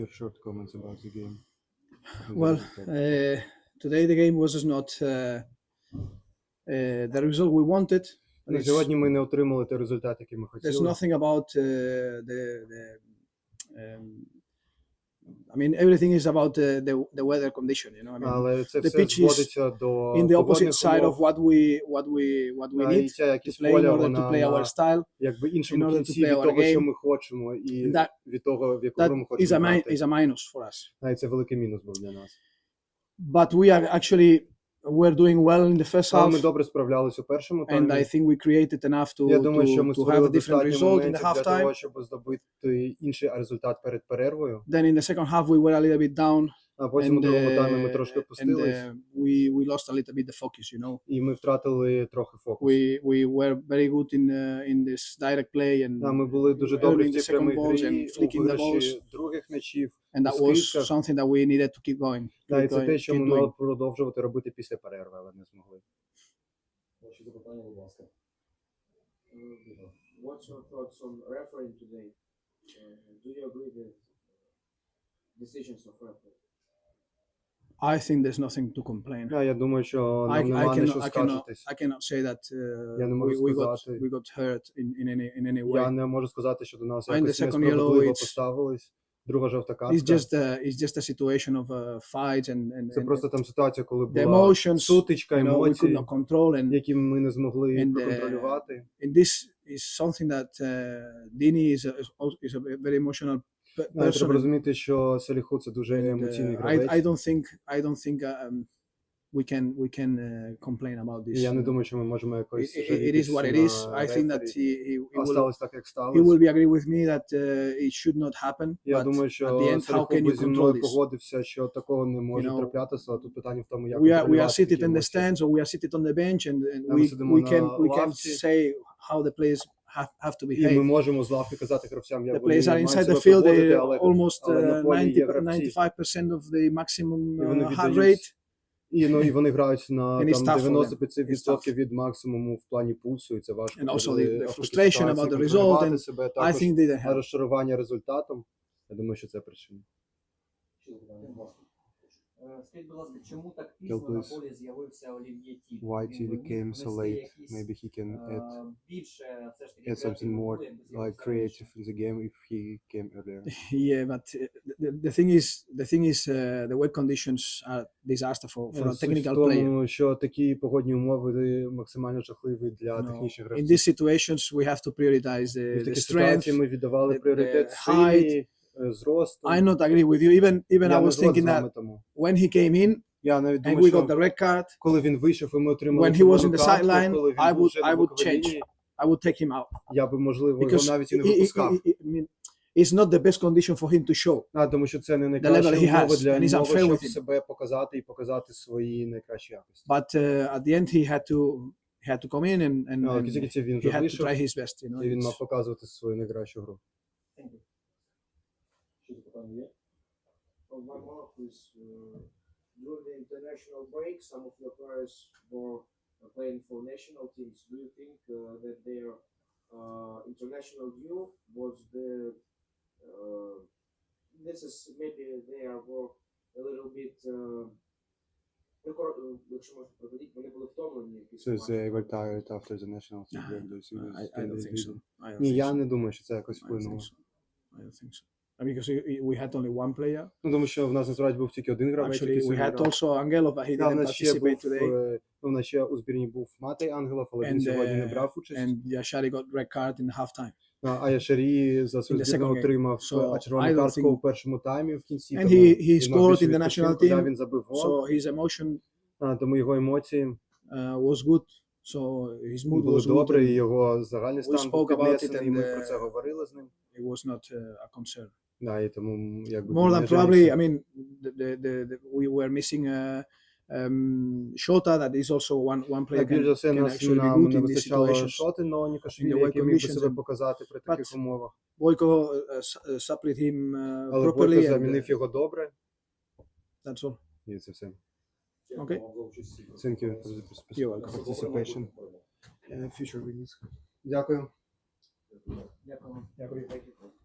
Your short comments about the game. Well, today the game was not the result we wanted. But На сьогодні ми не отримали той результат, який ми there's хотіли. nothing about I mean, everything is about the weather condition, you know. I mean, Але це the все pitch is зводиться до in the opposite погодних side of умов. what we І need ця to якість play in поля, order to вона play our на style. якби in іншому order to кінці play від our того, що game. ми хочемо, і And від того, в яку That гру ми is хочемо грати. is a minus for us. І це великий мінус був для нас. But we are actually we're doing well in the first Але ми half, добре справлялись у першому and таймі. I think we created enough Я думаю, що ми to have створили a different достатньо result in the моментів для того, halftime. щоб здобути інший результат перед перервою. Then in the second half we were a little bit down, А потім у другому таймі ми трошки and опустились, we lost a little bit the focus, you know. і ми втратили трохи фокус. We were very good in this direct play, and Ми були дуже добрі в earning the цій second прямій balls грі, and у flicking the balls, виграші других м'ячів, and у that was скидках. something that we needed to keep going. І це те, що ми keep мали doing. продовжувати робити після перерви, але не змогли. Ваші запитання, будь ласка. What's your thoughts on refereeing today? Do you agree with decisions of referee? I think there's nothing to complain. Я думаю, що I нам нема на що cannot скаржитись. I cannot say that Я не можу we сказати. got hurt in any way. Я не можу сказати, що до нас And the якось second yellow, несправедливо it's- поставились. Друга жовта картка. It's just a situation of fights and Це просто там ситуація, коли the була emotions, сутичка, you know, we could емоції, not control, and які ми не змогли and, проконтролювати. and this is something that Dini is a very emotional person. Треба розуміти, що Саліху це дуже емоційний гравець. I don't think we can complain about this. Я не думаю, що ми можемо якось It is what it is. I think that he сталося так, як will сталося. be agree with me that it should not happen. Я But думаю, at the що end, how Саліху can би you зі control мною this? погодився, що такого не може know, траплятися, а тут питання в тому, як We are контролювати seated такі in the емоції. stands or we are seated on the bench, and Ми сидимо we на can лавці. say how the players have to І ми behave. можемо з лавки казати гравцям, як The вони players are мають inside себе the field. поводити, They але almost на полі є гравці. 95% of the maximum І вони heart віддають, rate. і вони грають на And it's там tough for them. 95% від максимуму в плані пульсу, і це важко. And also коли the в такій frustration ситуації about the контролювати result, and себе, I також think they didn't help. розчарування результатом. Я думаю, що це причина. Ще запитання, будь ласка. Скажіть, будь ласка, чому так Тел, пізно на please. полі з'явився Олів'є Тіль? Why Він Tilly би міг came so внести late? якісь, Maybe he can add більше все ж таки something креативу, more якби like з'явився раніше. creative in the game if he came earlier. Yeah, but the thing is the wet conditions are disaster for a Суть technical в player. тому, що такі погодні умови максимально жахливі для You know, технічних in гравців. these situations, we have to prioritize І в the такій strength. ситуації ми віддавали the пріоритет height. силі, зросту. I not agree with you. Even Я I не was згоден thinking з вами that тому. when he came in Я навіть and думаю, we got що the red card, коли він вийшов і ми отримали when he was in червону the картку, sideline, коли він I був would вже на боковій change. лінії, I would take him out я би, можливо, його because навіть і не випускав. I mean, it's not the best condition for him to show. Тому що це не level найкращі he has, умови для and he's нього, unfair щоб with him. себе показати і показати свої найкращі якості. But at the end, he had to come in and Але в кінці він he вже had to вийшов, try his best. You know, і він it's- мав показувати свою найкращу гру. Ще запитання є? One more, please. During the international break, some of your players were playing for national teams. Do you think that their international due was this is maybe they were a little bit якщо можна проводити, вони були втомлені після So матчу. they were tired after the national team break. I don't think so. I don't Ні, think я so. не думаю, що це якось I don't think вплинуло. so. I don't think so. Because we had only one player. Тому що в нас насправді був тільки один гравець, Actually, який we сьогодні had грав. also Angelo, but he Да, в didn't нас ще був, participate today. в нас ще у збірні був Матей Ангелов, але він And, сьогодні не брав участь. And Yashari got red card in the halftime. А Яшарі за свою In the збірну second game. отримав So, I червону don't картку think- у першому таймі в кінці. And тому he він мав scored більше in the national відпочинку, да, team. він забив гол, So his emotion тому його емоції was good. So his mood були was good. добре, і and його загальний we стан був spoke about it піднесений, і ми and, про це говорили з ним. It was not a concern. Да, і тому якби More він than не probably, жалівся. I mean, we were missing Shota, that is also one player Більш за все, can нас actually be нам good не in these вистачало situations. шоти, но In Нікашвілі, the white який міг би conditions себе and- показати при таких But- умовах. Boyko supplied him Але properly, Бойко and замінив його добре, that's all. і це все. Okay. Дякую вам за участь. Thank you for the You're welcome. participation. Future release. Дякую. Дякую. Дякую.